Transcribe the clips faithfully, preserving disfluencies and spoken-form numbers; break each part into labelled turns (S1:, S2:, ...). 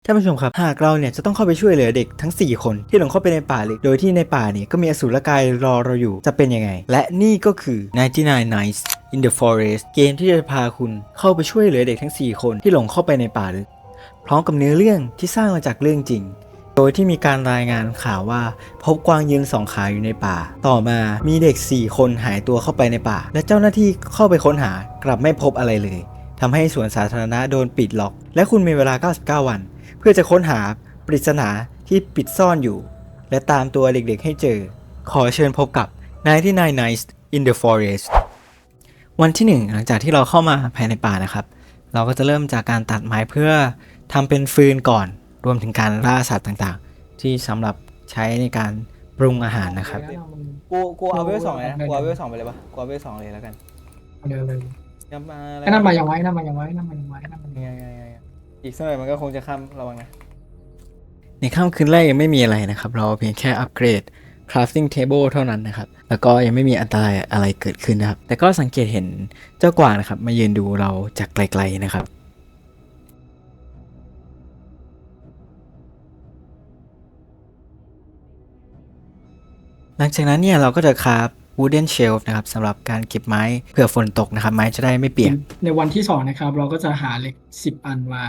S1: ท่านผู้ชมครับหากเราเนี่ยจะต้องเข้าไปช่วยเหลือเด็กทั้งสี่คนที่หลงเข้าไปในป่าลึกโดยที่ในป่าเนี่ยก็มีอสูรกายรอเราอยู่จะเป็นยังไงและนี่ก็คือ ninety-nine Nights in the Forest เกมที่จะพาคุณเข้าไปช่วยเหลือเด็กทั้งสี่คนที่หลงเข้าไปในป่าลึกพร้อมกับเนื้อเรื่องที่สร้างมาจากเรื่องจริงโดยที่มีการรายงานข่าวว่าพบกวางยืนสองขาอยู่ในป่าต่อมามีเด็กสี่คนหายตัวเข้าไปในป่าและเจ้าหน้าที่เข้าไปค้นหากลับไม่พบอะไรเลยทำให้สวนสาธารณะโดนปิดล็อกและคุณมีเวลาเก้าสิบเก้าวันเพื่อจะค้นหาปริศนาที่ปิดซ่อนอยู่และตามตัวเด็กๆให้เจอขอเชิญพบกับninety-nine Nights in the Forest วันที่หนึ่งหลังจากที่เราเข้ามาภายในป่านะครับเราก็จะเริ่มจากการตัดไม้เพื่อทำเป็นฟืนก่อนรวมถึงการล่าสัตว์ต่างๆที่สำหรับใช้ในการปรุงอาหารนะครับกูกูเอาเวลสองเลยนะกูเอาเวลสองไปเลยปะกูเอาเวลสองเลยแล้วกัน
S2: เร็วเลย
S1: น้ำมาอะไร
S2: นั่นมาอย่างไว้นั่นมาอย่างไว้นั่นมาอย่างไว้นั่นมาอย่าง
S1: ไง
S2: ไว้
S1: ไงไงอีกสักหน่อยมันก็คงจะข้ามระวังนะในค่ำคืนแรกยังไม่มีอะไรนะครับเราเพียงแค่อัปเกรด crafting table เท่านั้นนะครับแล้วก็ยังไม่มีอันตรายอะไรเกิดขึ้นนะครับแต่ก็สังเกตเห็นเจ้ากวางนะครับมายืนดูเราจากไกลๆนะครับหลังจากนั้นเนี่ยเราก็จะคราฟ wooden shelf นะครับสำหรับการเก็บไม้เผื่อฝนตกนะครับไม้จะได้ไม่เปียก
S2: ในวันที่สองนะครับ เราก็จะหาเหล็กสิบอันมา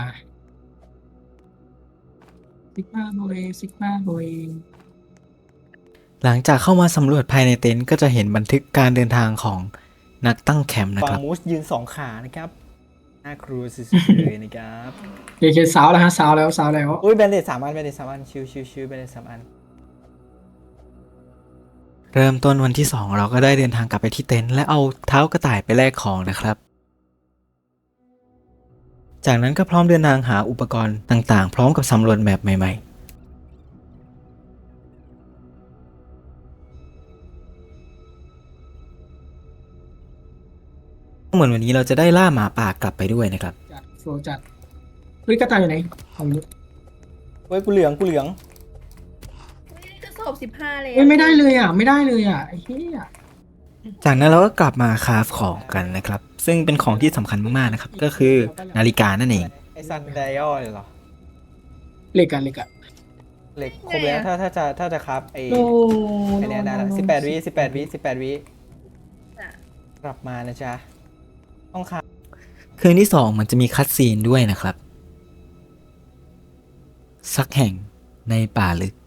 S2: ซิกมาโบเอซิกมาโบเอ
S1: หลังจากเข้ามาสำรวจภายในเต็นท์ก็จะเห็นบันทึกการเดินทางของนักตั้งแคมป์นะครับมูสยืนสองขานะครับน่าครูสุดๆเลยนะครับ
S2: เคเคสาวแล้วฮะสาวแล้วสาวแล้ว
S1: อุ้ยแบนเดตสามอันแบนเดตสามอันชิวชิวชิวแบนเดตสามอันเริ่มต้นวันที่สองเราก็ได้เดินทางกลับไปที่เต็นท์และเอาเท้ากระต่ายไปแลกของนะครับจากนั้นก็พร้อมเดินทางหาอุปกรณ์ต่างๆพร้อมกับสำรวจแมปใหม่ๆเหมือนวันนี้เราจะได้ล่าหมาป่ากลับไปด้วยนะครับ
S2: จัดโฟล์จัดเฮ้ยกระต่ายอยู่ไหนของนี้
S1: เว้ยกูเหลืองกูเหลือง
S3: จะสอบสิบห้าเลย
S2: เฮ้ยไม่ได้เลยอ่ะไม่ได้เลยอ่ะไอ้เหี้ย
S1: จากนั้นเราก็กลับมาคราฟของกันนะครับซึ่งเป็นของที่สำคัญมากๆนะครับก็คือนาฬิกานั่นเองไอซันไดออลเหรอ
S2: เหล็กอะเหล็กอะ
S1: เหล็กครบแล้วถ้าถ้าจะถ้าจะครับไอ
S2: โน
S1: ไอเนี้ยได้ละสิบแปดวิสิบแปดวิสิบแปดวิกลับมานะจ๊ะต้องครับคืนที่สองมันจะมีคัตซีนด้วยนะครับสักแห่งในป่าลึก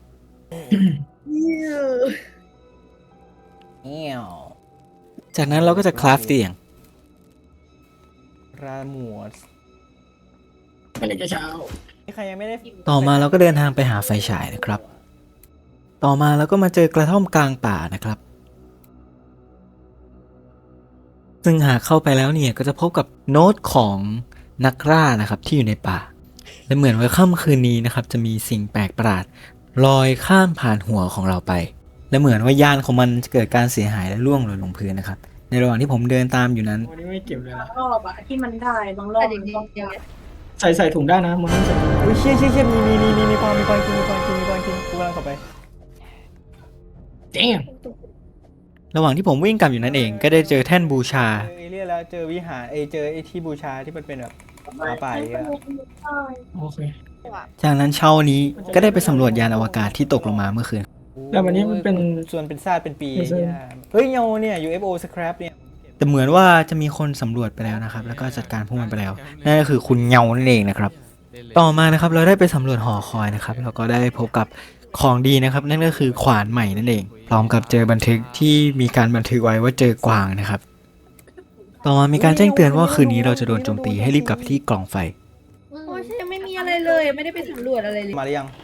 S1: เงี้ยวจากนั้นเราก็จะคราฟเตียงราหมวด
S2: ไม่เหล็กจะเช้า
S1: ใครยังไม่ได้ต่อมาเราก็เดินทางไปหาไฟฉายนะครับต่อมาเราก็มาเจอกระท่อมกลางป่านะครับซึ่งหากเข้าไปแล้วเนี่ยก็จะพบกับโน้ตของนักล่านะครับที่อยู่ในป่าและเหมือนว่าค่ำคืนนี้นะครับจะมีสิ่งแปลกประหลาดลอยข้ามผ่านหัวของเราไปและเหมือนว่ายานของมันจะเกิดการเสียหายและร่วงหล่นลงพื้นนะครับในระหว่างที่ผมเดินตามอยู่นั้น
S2: วันนี้ไม่เก็บเลยนะ
S4: รอบอะที่มันได้บางรอ
S3: แต่
S4: บ
S3: จ
S4: มัน
S3: ริง
S4: ต้อง
S3: ๆอย่างเงี้ย
S2: ใส่ใส่ถุงได้นะมันต้องใส่ถุง
S1: อุ้ยเชี่ยเชี่ยเชี่ยมีมีมีมีมีกวางมีกวางกินมีกวางกินมีกวางกินกูกำลังเข้าไป
S2: เจ๊ง
S1: ระหว่างที่ผมวิ่งกลับอยู่นั่นเองก็ได้เจอแท่นบูชาเจอเอเลี่ยนแล้วเจอวิหารเอยเจอไอที่บูชาที่มันเป็นแบบหมาป่าอย่างเงี้ย
S2: โอเค
S1: จากนั้นเช้านี้ก็ได้ไปสำรวจยานอวกาศที่ตกลงมาเมื่อคืน
S2: แล้ววันนี้มันเป็น
S1: ส่วนเป็นซากเป็นปี
S2: ไม่ใช่
S1: เนี่ยเฮ้ยเงาเนี่ย ยู เอฟ โอ scrap เนี่ยแต่เหมือนว่าจะมีคนสำรวจไปแล้วนะครับแล้วก็จัดการพวกมันไปแล้วนั่นก็คือคุณเงานั่นเองนะครับต่อมานะครับเราได้ไปสำรวจหอคอยนะครับแล้วก็ได้พบกับของดีนะครับนั่นก็คือขวานใหม่นั่นเองพร้อมกับเจอบันทึกที่มีการบันทึกไว้ว่าเจอกวางนะครับต่อมามีการแจ้งเตือนว่าคืนนี้เราจะโดนโจมตีให้รีบกลับไปที่กล่องไฟ
S3: โอ้ยฉันยังไม่มีอะไรเลยไม่ได้ไปสำรวจอะไรเลย
S1: มาหรือยัง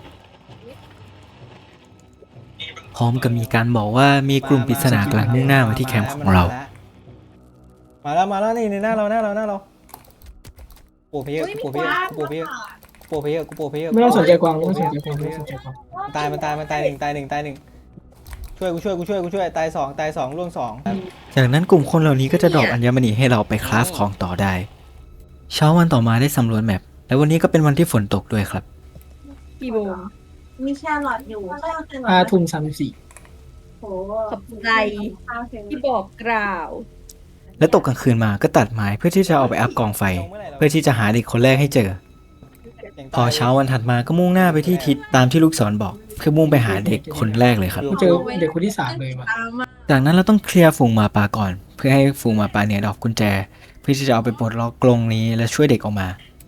S1: พร้อมกับมีการบอกว่ามีกลุ่มปริศนากำลังมุ่งหน้ามาที่แคมป์ของเรามาแล้วมาแล้วนี่ในหน้าเราหน้าเราหน้าเราโปเพย์โปเพย์โปเพย์โปเพย์กูโปเพย์
S2: ไม่ต้องสนใจกวางไม่ต้องสนใจกวางไม่ต้องสนใจกวาง
S1: ตายมันตายมันตายหนึ่งตายหนึ่งตายหนึ่งช่วยกูช่วยกูช่วยกูช่วยตายสองตายสองร่วงสองจากนั้นกลุ่มคนเหล่านี้ก็จะดรอปอัญมณีให้เราไปคราฟของต่อได้เช้าวันต่อมาได้สำรวจแมปและวันนี้ก็เป็นวันที่ฝนตกด้วยครับ
S3: กี่โมง
S4: มีแครอทอยู่ก็เอาแครอท
S2: ห้าทุ่มสามสิบสี่
S4: โห
S3: ขอบใจที่บอกกล่าว
S1: และตกกลางคืนมาก็ตัดไม้เพื่อที่จะเอาไปอัพกองไฟ เพื่อที่จะหาเด็กคนแรกให้เจอพอเช้าวันถัดมาก็มุ่งหน้าไปที่ทิศตามที่ลูกศรบอกเพื่อมุ่งไปหาเด็กคนแรกเลยครับ
S2: กูเจอเด็กคนที่สามเลยว่ะ
S4: ตามมา
S1: จากนั้นเราต้องเคลียร์ฝูงหมาป่าก่อน เพื่อให้ฝูงหมาป่าเนี่ยดอกกุญแจ เพื่อที่จะเอาไปปลดล็อกกรงนี้และช่วยเด็กออกมา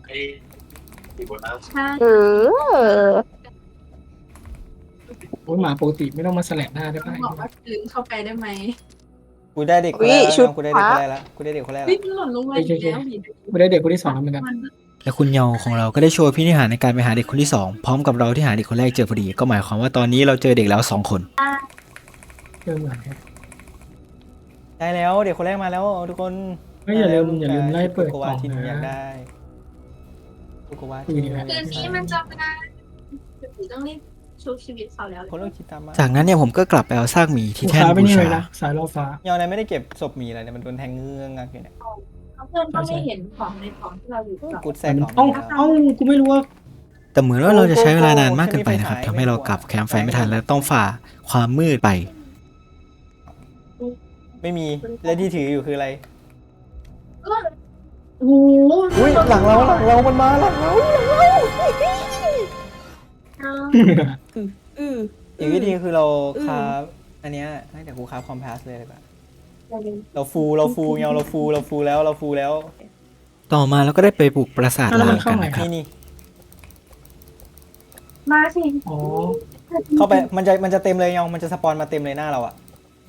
S4: ใช่
S5: เออ
S2: โอ้ยหมาปกติไม่ต้องมาแสลบหน้าได้
S4: ต้อ
S2: ป่ะ
S4: งบอกว่าคืนเข้าไปได้ไหม
S1: กูได้เด็กคนแรกแล้วกูได้เด็กคนแรกแล้วกูได้เด็กคนแรก
S4: เฮ้
S1: แล้
S4: ยว มันหล่นลงมาอีกแล้วหิน
S2: กูได้เด็กคนที่สองแล้วเหมือนกัน
S4: มัน
S1: และคุณเยาของเราก็ได้โชว์พินิหารในการไปหาเด็กคนที่สองพร้อมกับเราที่หาเด็กคนแรกเจอพอดี ก็หมายความว่าตอนนี้เราเจอเด็กแล้วสองคน
S2: เจอเหมือนกัน
S1: ได้แล้วเด็กคนแรกมาแล้วทุกคน
S2: เฮ้ยอย่าลืมอย่าลืมไล่เปิด
S1: โก
S2: กล่
S1: วา
S2: อง
S1: ที่หนูอยาก
S2: นะ
S1: ได้โกวา
S2: คืนนี้
S4: คืนนี้มันจะไม่ได้คือต้องรีบชุบชีวิตเขาแล้ว
S1: คนเริ่มคิดตามมาจากนั้นเนี่ยผมก็กลับไปเอาซากหมีที่
S2: กู
S1: แท่น
S2: ค้าไป
S1: บู
S2: นี่เล
S1: ชาย
S2: นะสายล่อฟ้า
S1: เยาไหนไม่ได้เก็บศพหมีอะไรเนี่ยมันโดนแทงเงื้องงักอยู่เนี่ย
S4: เพื่อนก็ไม่เห็นของในของที่เราอยู่กับ
S1: กูแซ
S2: แต่
S1: ก
S2: มัน
S1: ของ
S2: เอ้าเอ้ากูไม่รู้ว่า
S1: แต่เหมือนว่าเราจะใช้เวลานานมากเกินไปนะครับทำให้เรากลับแคมป์ไฟไม่ทันและต้องฝ่าความมืดไป ไม่มีและที่ถืออยู่คืออะไร
S4: โอ้โห
S1: อุ้ยหลังเราหลังเรามันมาหลังเรา
S3: อือ
S1: อีกวิธีคือเราคราฟอันเนี้ยให้แต่กูคราฟคอมพาสเลยดีกว่าเราฟูเราฟูเงาเราฟูเราฟูแล้วเราฟูแล้ว ต่อมาเราก็ได้ไปปลูกปราสาท
S2: แล้วมั
S1: ล้าน ง
S2: เข้า
S1: กัน
S2: ไหน
S1: นะครับนี่นี่
S4: มาสิ
S2: อ๋อ
S1: เข้าไปมันจะมันจะเต็มเลยเงามันจะสปอนมาเต็มเลยหน้าเราอะ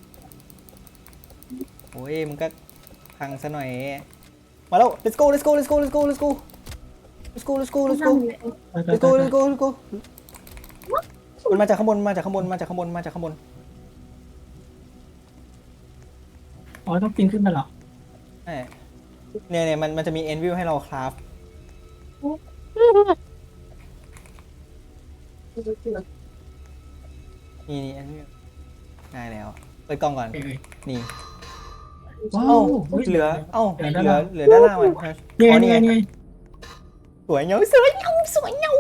S1: โอ้ยมันก็พังซะหน่อยมาแล้ว let's go let's go let's go let's go let's go let's go let's go let's go
S2: ไปไป
S1: let's
S2: ไป
S1: go let's go let's go มันมาจากข้างบนมาจากข้างบนมาจากข้างบนมาจากข้างบน
S2: อ๋อต้องปีนขึ้นไปเหรอ
S1: ใช่เนี่ยเนี่ยมันมันจะมี end view ให้เราคราฟนี่นี่ end view ง่ายแล้วเปิดกล้องก่อน
S2: เอ้ย
S1: นี่
S2: ว้า
S1: เอ้าว
S2: ฮ้ย
S1: เหลือเอ้า
S2: เห
S1: เห
S2: ลื
S1: ลื
S2: อ
S1: อ
S2: ด้านล่าง
S1: เหลือด้านล่างมัน
S2: นี่ไง
S1: อ๋อ
S2: นี่ไงนี่ไง
S1: สวยเงาสวยเงาสวยเงา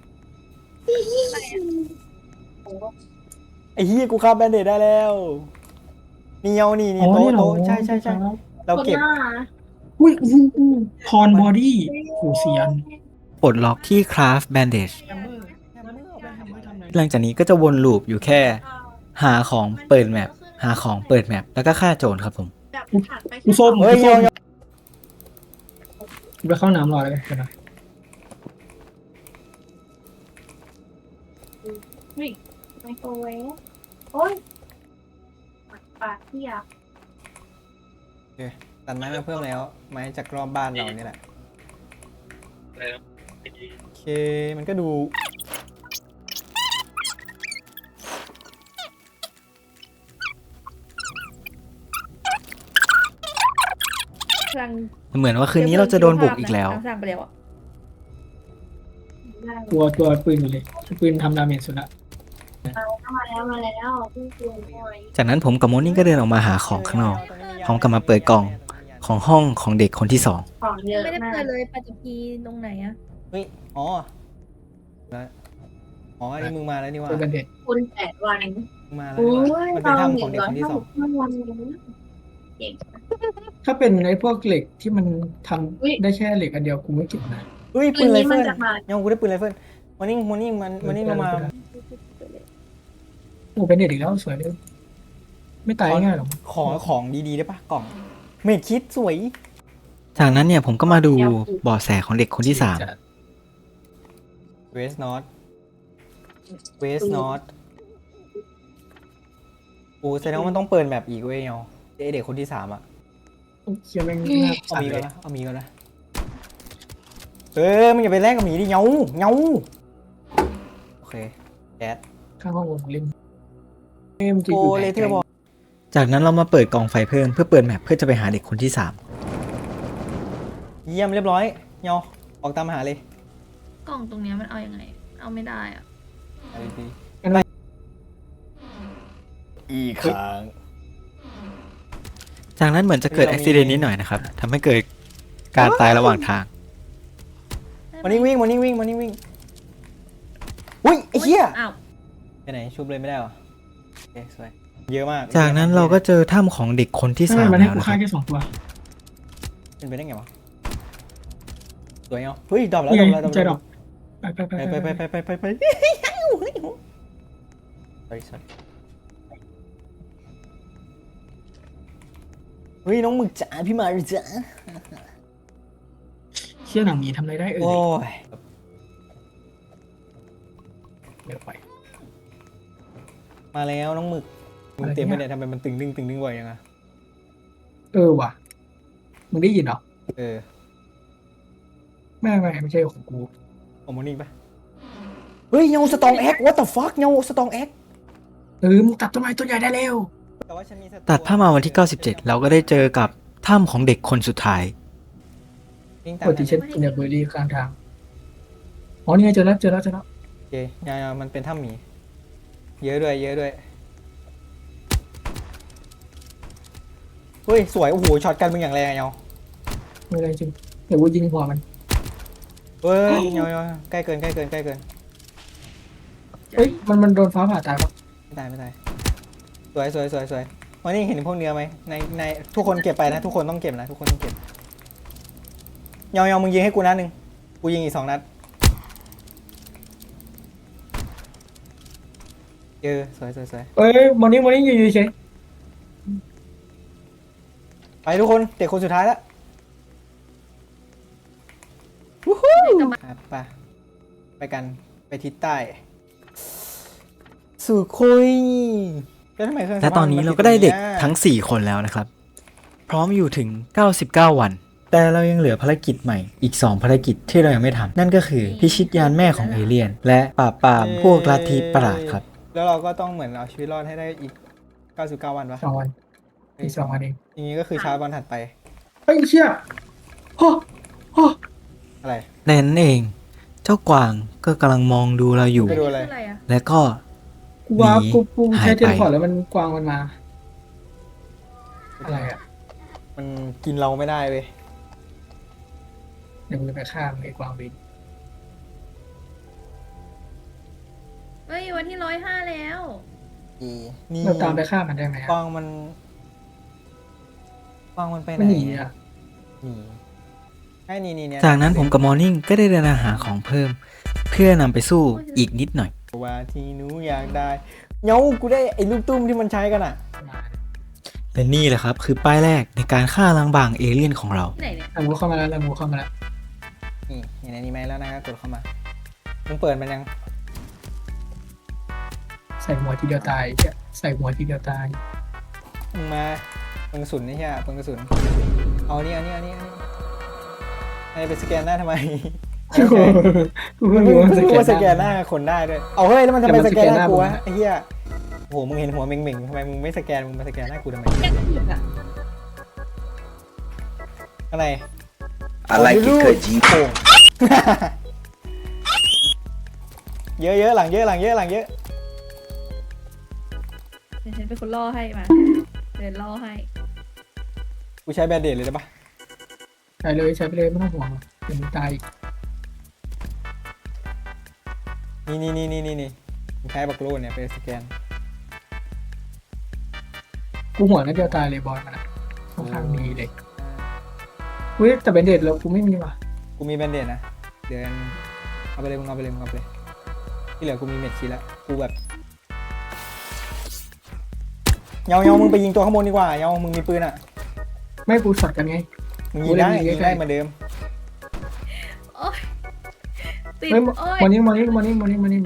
S1: ไอ้เฮียกูคราฟแบนเดดได้แล้วนี่เงานี่
S2: อ๋
S1: นี่
S2: อ
S1: โต๊ะ
S2: นี่เหรอ
S1: โต๊ะใช่ใช่ใช่เราเก็บ
S2: อุ้ยอุ้ยอุ้ยพรบอดี้โหเสียน
S1: ปลดล็อกที่ craft bandage หลังจากนี้ก็จะวนลูปอยู่แค่ หาของเปิดแมปหาของเปิดแมปแล้วก็ฆ่าโจรครับผม
S4: แบบผ่านไป
S2: กูส้ม
S1: เฮ้ย
S2: กูส้ม
S1: เงา
S2: กูไปเข้าน้ำรอเลยกันนะ
S4: ไมโครเวฟโอ้ยปากที่อยาก
S1: ตัดไม้มาเพิ่มแล้ว ไม้จากรอบบ้านเรานี่แหละโอเคมันก็ดู
S3: พลัง
S1: เหมือนว่าคืนนี้เราจะโดนบุกอีกแล้ว
S3: สั่งไปแล้วอ่ะ
S4: ได้
S2: ตัวตัวปืนอยู่เลยปืนทำดาเมจสุดละ
S4: มาแล้วมาแล้วพี่จูนหน่อย
S1: จากนั้นผมกับโมนี่ก็เดินออกมาหาของข้างนอกพร้อมกับมาเปิดกล่องของห้องของเด็กคนที่สอง
S4: ของเยอะ
S3: ไม่ได้
S4: มา
S3: เปิ
S4: ก
S3: ดเลยปัจจุบันตรงไหนอ่ะ
S1: เฮ้ยอ๋อแล้วอ๋ออันนี้มึงมาแล้วนี่ว่า
S2: เจอกันเด็ด
S4: คุณแปดวัน
S1: มึงมาแล้ว
S4: โอ้
S1: นี่
S4: ย
S1: ว่ามันเป็น
S4: เรา
S1: ถ้ำ
S4: ห
S1: ของ
S4: นึ่ง
S1: เด็ก
S4: ร้อย
S1: คนที่
S4: ห้า
S1: สอง
S4: สิบห้าวันเก่ง
S2: ถ้าเป็นไอ้พวกเหล็กที่มันทำ
S4: อุ๊ย
S2: ได้แค่เหล็กอันเดียวกูไม่เก็บนะ
S1: เฮ้ย
S4: คื
S1: ปื
S4: น
S1: นไร
S4: นี้
S1: เฟิ
S4: มัน
S1: ล
S4: จะมา
S1: ยังกูได้ปืนไรเฟิลมันนิ่งมันนิ่งมันมันนิ่งลงมา
S2: โอ้เป็นเด็ดอีกแล้วสวยเลยไม่ตายง่ายหรอก
S1: ขอของดีๆได้ปะกล่องเมดคิดสวย จากนั้นเนี่ยผมก็มาดูเบาะแสของเด็กคนที่สาม
S2: จะ
S1: เวสนอตเวสนอตโอ้แสดงว่ามันต้องเปิดแบบอีกเว้ยเนาะไอเด็กคนที่สามอะ
S2: เคียแม่งน่า
S1: เอา
S2: สั่น
S1: มี
S2: เล
S1: ก่อน
S2: ย
S1: นะเอามีก่อนนะเออมึงอย่าไปแลกกับหมีดิเงาเงาโอเคแก๊ส
S2: ข้างห้องวงเล่นเอ้ยมันจะอ
S1: โอ้
S2: ยู่ไห
S1: เล
S2: น
S1: เทอร์บอลจากนั้นเรามาเปิดกล่องไฟเพิ่มเพื่อเปิดแมปเพื่อจะไปหาเด็กคนที่สามเยี่ยมเรียบร้อยเงาออกตามหาเลย
S3: กล่องตรงเนี้ยมันเอายังไง เอาไม่ได้อ่ะ
S1: เอาดี
S2: อะไร
S1: ๆอีกครั้งจากนั้นเหมือนจะเกิดอุบิเหตุนิดหน่อยนะครับทำให้เกิดการตายระหว่างทางมันนิ่งวิ่งมันนิ่งวิ่งมันนิ่งวิ่งอุ้ยไอ้เหี้ย
S3: อ้าว
S1: ไปไหนชุบเลยไม่ได้หรอโอเคสวยเยอะมาก จากนั้นเราก็เจอถ้ำของเด็กคนที่
S2: ทำไม
S1: สาม
S2: มันให้
S1: แล้ว
S2: กู
S1: นะค
S2: ฆ่า
S1: รับ
S2: แค่สองตัว
S1: เป็นไปได้ไงวะสวยเนาะเฮ้ยดรอปแล้ว
S2: นี่
S1: ดร
S2: ไง
S1: อปแล้ว
S2: เจอดอกไปไปไป
S1: ไป
S2: ไป
S1: ไป
S2: ไป
S1: ไปไปไปไปไปสัตว์เฮ้ยน้องหมึกจ๋าพี่มาหรือจ๋า
S2: เชี่ยหนังหมีทำอะไรได้เอ่
S1: โอ้
S2: ย
S1: ย
S2: เดี๋ยวไป
S1: มาแล้วน้องหมึกมึงเต็มไปเนี่ยทำไมมันตึงดึงตึงดึงบ่อยยังอะ
S2: เออว่ะมึงได้ยินเหรอ
S1: เออ
S2: ไม่ไม่ไม่ใช่ของกู
S1: โอมอนิ่งปะเฮ้ยเงาสตองแอ็ก what the fuck เงาสตองแอ็ก
S2: เออมึงตัดต้นไม้ต้นใหญ่ได้เร็ว
S1: ตัดภาพมาวันที่เก้าสิบเจ็ดเราก็ได้เจอกับถ้ำของเด็กคนสุดท้าย
S2: ปกติฉันกินเบอร์รี่ข้างทางอ๋อนี่ไงเจอแล้วเจอแล้วเจอแล้ว
S1: โอเคยาๆมันเป็นถ้ำหมี เยอะด้วย เยอะด้วย เฮ้ย สวย โอ้โห ช็อตกันมึงอย่างแรงอะเงา
S2: ไม่อะไรจริงเดี๋ยวกูยิงหัวมัน
S1: เฮ้ยเงาเงาใกล้เกิน ใกล้เกิน ใกล้เกิน
S2: เอ้ยมันมันโดนฟ้าผ่าตายปะ
S1: ไม่ตาย ไม่ตาย สวยสวยสวยสวยวันนี้เห็นพวกเนื้อไหมในในทุกคนเก็บไปนะ ทุกคนต้องเก็บนะ ทุกคนต้องเก็บเงาเงามึงยิงให้กูนัดหนึ่งกูยิงอีกสองนัดเออสวยสวยสวย
S2: เอ้ยมอนี่มอนี่อยู่เฉย
S1: ไปทุกคนเด็กคนสุดท้ายแล้ววู้ฮู้ครับไปไปกันไปทิศใต้สู่คุยแล้วทำไมเครื่อง
S5: และตอนนี้เราก็ได้เด็กทั้ง สี่ คนแล้วนะครับ พร้อมอยู่ถึง เก้าสิบเก้า วัน
S1: แต่เรายังเหลือภารกิจใหม่อีก สอง ภารกิจที่เรายังไม่ทำนั่นก็คือพิชิตยานแม่ของเอเลี่ยน และปราบปรามพวกลัทธิประหลาดครับ แล้วเราก็ต้องเหมือนเอาชีวิตรอดให้ได้อีก เก้าสิบเก้า วันปะ
S2: สองวันอีกสองวันเอง
S1: อย่างนี้ก็คือเช้าวันถัดไป
S2: เฮ้ยเชี่ยโอ้โอ้
S1: อะไร
S5: ในนั้นเอง เจ้ากวางก็กำลังมองดูเราอยู่
S1: ไปดูอะไร
S3: คืออะไรอ่ะ
S5: และก็
S2: กูว่า
S5: หนี
S2: กูกูใช้
S5: หายไป
S2: เทเลพอร์ตแล้วมันกวางมันมา อะไรอ่ะ
S1: มันกินเราไม่ได้เว้ย
S2: เดี๋ยวมึงจะไปฆ่ามันไอ้กวางบิน
S3: เฮ้ยวันที่ร้อยห้าแล้ว
S1: นี่
S2: เราตามไปฆ่ามันได้ไหม
S1: ก
S2: อะ
S1: วางมันกวางมันไปไหน
S2: มันหนีอ่ะ
S1: หนีไอ้นี่นี่เนี่ย
S5: จากนั้นผมกับมอร์นิ่งก็ได้เดินหาของเพิ่ม เพื่อนำไปสู้อีกนิดหน่อย
S1: ว่าที่หนูอยากได้เงากูได้ไอ้ลูกตุ้มที่มันใช้กันอ่ะ
S5: และนี่แหละครับคือป้ายแรกในการฆ่าล้างบางเอเลี่ยนของเรา
S3: ที่ไหนเนี่ย
S2: ลำงูเข้ามาแล้วลำงูเข้ามาแล้ว
S1: นี่เห็นอันนี้ไหมแล้วนะครับกดเข้ามามึงเปิดมันยัง
S2: ใส่หัวทีเดียวตายเชี่ยใส่หัวทีเดียวตาย
S1: มึงมาปืนกระสุนนี่ใช่ปะปืนกระสุนเอานี่เอานี่เอานี่เอานี่ไอ้ไปสแกนหน้าทำไม
S2: กูเพิ่งรู้ว่า
S1: เพิ่งรู้ว่าส
S2: ส
S1: แก
S2: แก
S1: น
S2: น
S1: ห
S2: ห
S1: น้า
S2: น้า
S1: คนได้ด้วยเอาเฮ้ยแล้วมันทำไม
S2: แต่มัน
S1: สแกนหน้า
S2: สแกนหน้า
S1: กูวะ
S2: ผมนะ
S1: ไอ้เหี้ยโอ้โหมึงเห็นหัวเม่งๆทำไมมึงไม่สแกนมึงมาสแกนหน้ากูทำไม
S3: แกก็หยุดอ่ะ
S1: อะไร
S6: I like it 'cause you
S1: โป่ง เยอะเยอะหลังเยอะหลังเยอะหลังเยอะ
S3: เดี๋ยวฉันเป็นคนล่อให้มาเดินล่อให้
S1: กูใช้แบนเดดเลยได้ปะ
S2: ใช้เลยใช้ไปเลยไม่ต้องห่วงหรอกเดี๋ยวมึงตายอีก
S1: นี่นี่นี่นี่นี่นี่มึงใช้บักโลนเนี่ยไปสแกน
S2: กูหัวนัดเดียวตายเลยบอลมันอะค่อนข้างดีเลยเฮ้ยแต่เบนเดดแล้วกูไม่มีว่ะ
S1: กูมีแบนเดดนะเดินเอาไปเลยมึงเอาไปเลยมึงเอาไปเลยที่เหลือกูมีเม็ดชีแล้วกูแบบเงาเงามึงไปยิงตัวข้างบนดีกว่าเงามึงมีปืนอ่ะ
S2: ไม่กูช็อตกันไง
S1: มึงยิงได้
S2: กูเล่นยิ
S1: ยิ
S2: ง
S1: ง
S2: ใกล้
S1: ได้เหมือนเดิม
S3: โอ๊ยติด
S2: เฮ้ย
S3: โอ๊ย
S2: มอนี่มอนี่มอนี่มอนี่มอนี่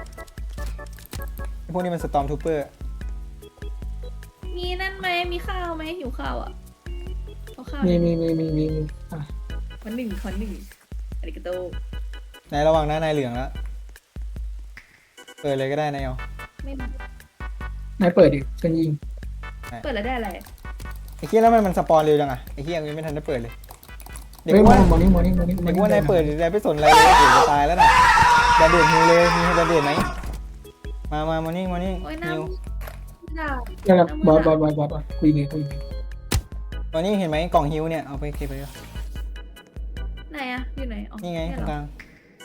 S1: พวกนี้มันสตอมทูเปอร์
S3: มีนั่นไหมมีข้าวไหมหิวข้าวอ่ะเอาข้าว
S2: มีมีมีมีมีมีอ่ะ
S3: วันหนึ่งคนหนึ่งอาริกาโต
S1: ในระหว่างหน้านายเหลืองแล้วเปิดเลยก็ได้นายเอา
S3: ไม่มี
S2: นายเปิดดิฉันยิง
S3: เปิดแล้วได้อะไร
S1: ไอ้เหี้ยแล้วมันมันสปอนเร็วจังอ่ะไอ้เหี้ยยังไม่ทันได้เปิดเลยเด็ก
S2: เฮ้ยมอ
S1: ว่า
S2: นี่มอนี่มอนี่มอนี่
S1: เด็กว่านายเปิดนายไม่สนอะไรเลยเดี๋ยวจะตายแล้วน่ะแบนเดดฮิวเลยมีแบนเดดไหมมามามานี่มานี่
S3: โอ๊ยน้
S1: ฮิว
S3: ำด่า
S2: เดี๋ยวนะบอสบอสบอสบอสบอสคุยไงคุยไง
S1: ตอนนี้เห็นไหมกล่องฮิวเนี่ยเอาไปเก็บไปเลย
S3: ไหนอ่ะอยู่ไหนอ๋อ
S1: นี่ไง
S3: เย
S1: ตรง
S3: เห
S1: ก
S3: รอ
S1: ลาง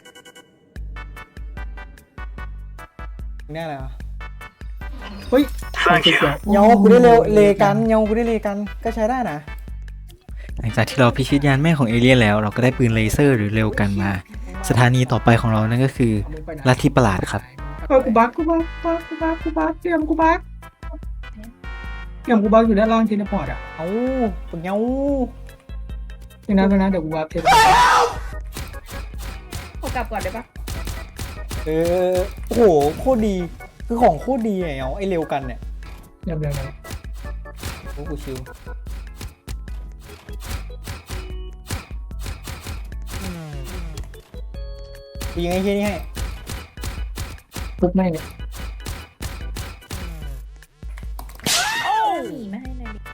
S1: นี่อะไรอ่ะ
S2: เฮ้ยของเกี่ยว
S1: เงากูได้เร็วเลกันเงากูได้เลกันก็ใช้ได้นะ
S5: หลังจากที่เราพิชิตยานแม่ของเอเลี่ยนแล้ว เราก็ได้ปืนเลเซอร์หรือเร็วกันมา
S1: สถานีต่อไปของเรานั่นก็คือ
S2: เอามึงไปไหน
S1: ลัทธิประหลาดครับ
S2: เออกูบักกูบักกูบักกูบักกูบักเตรียมกูบักเตรียมกูบักอยู่ด้านล่างเทเลพอร์ตอ่ะ
S1: เอ้าเป็นเงา
S2: นี่นะนี่นะเดี๋ยวกูบักเทเลพอร์ต
S3: ขอกลับก่อนได้ปะ
S1: เออโอ้โหโคตรดีคือของโคตรดีไงเอาไอเร็วกันเนี่ย
S2: เดี๋ยวเดี๋ยวเดี๋ยว
S1: โอ้กูชิวกูยิงไอ้เฮียนี่ให้
S2: ปุ๊บไม่เนี่ย
S3: หนีมาให้หน่อยดิ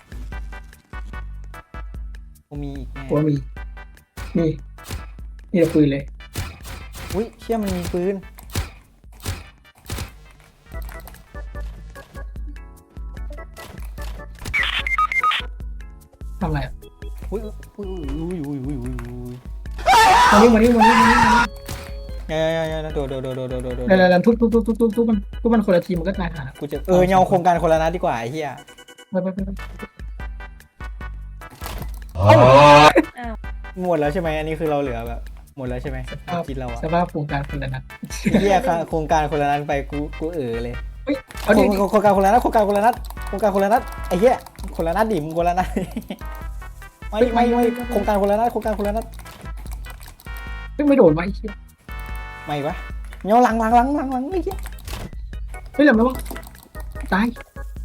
S1: กูมีอีกแน่
S2: กูว่ามีนี่นี่จะปืนเลย
S1: อุ้ยเชี่ยมันมีปืน
S2: ทำอะไรอ่ะ
S1: อุ้ยอุ้ยอุ้ยอุ้ยอุ้ยอุ้ยอุ้ย
S2: มานี่มานี่มานี่มานี่มานี่
S1: ยายายายาโดดโดดโดดโดดโดดโดดโดด
S2: เดี๋ยวเดี๋ยวเดี๋ยวทุบทุบทุบทุบทุบทุบมันทุบมันคนละทีมันก็ตายหา
S1: กูจะเออเงาโครงการคนละนัดดีกว่าไอ้เหี้ย
S2: ไปไปไปไป
S1: หมดแล้วใช่ไหมอันนี้คือเราเหลือแบบหมดแล้วใช่ไหมกินเราอะ
S2: สภาพโครงการคนละนัด
S1: ไอ้เหี้ยโครงการคนละนัดไปกูกูเออเลย
S2: เอาดิ
S1: โครงการคนละนัดโครงการคนละนัดโครงการคนละนัดไอ้เหี้ยคนละนัดดิมึงคนละนัดไม่ไม่ไม่โครงการคนละนัดโครงการคนละนัด
S2: เฮ้ยไม่โดนวะไอ้เหี้ย
S1: ไม่วะเงาหลังหลังหลังหลังหลังไอ้เหี้ย
S2: เฮ้ยเหลือแล้ววะตาย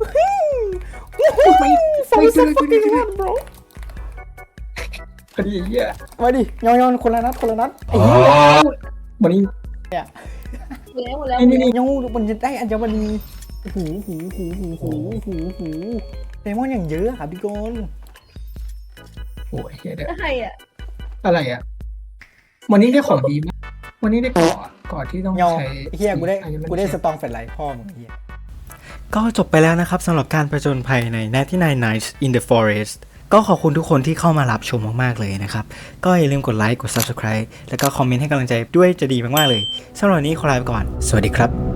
S2: ไม่
S1: ฟอ
S2: ไม่
S1: ร์
S2: เจ
S1: ซั
S2: อ
S1: ฟ
S2: ไม่
S1: ฟิ้
S2: เจ
S1: ง
S2: อ
S1: วันบร
S2: คดีไอ้เหี้ย
S1: มาดิเงาเงาคนละนัดคนละนัดไอ้เหี้ย
S2: วันนี้
S3: หมดแล้วหมดแล้ว
S2: นี่นี่นี่
S1: เงามันจะได้อัญมณีหูหูหูหูหูหูหูเดมอนอย่างเยอะอะพี่กน
S2: โอ้ยเหี้ยเดี๋ยว
S3: อะไรอ่ะ
S2: อะไรอ่ะวันนี้ได้ของดีมั้ยวันนี้ได้เกาะเกาะที่ต้อง
S1: เงา
S2: ใช้
S1: ไอ้เฮียกูได้
S2: อันนี้มัน
S1: กูได้สตองแฟลชไลท์พ่อมึงไอ้เฮีย
S5: ก็จบไปแล้วนะครับสำหรับการประจนภัยใน ninety-nine Nights in the Forest ก็ขอบคุณทุกคนที่เข้ามารับชมมากๆเลยนะครับ ก็อย่าลืมกดไลค์กด Subscribe แล้วก็คอมเมนต์ให้กำลังใจด้วยจะดีมากๆเลยสำหรับวันนี้ขอลาไปก่อน สวัสดีครับ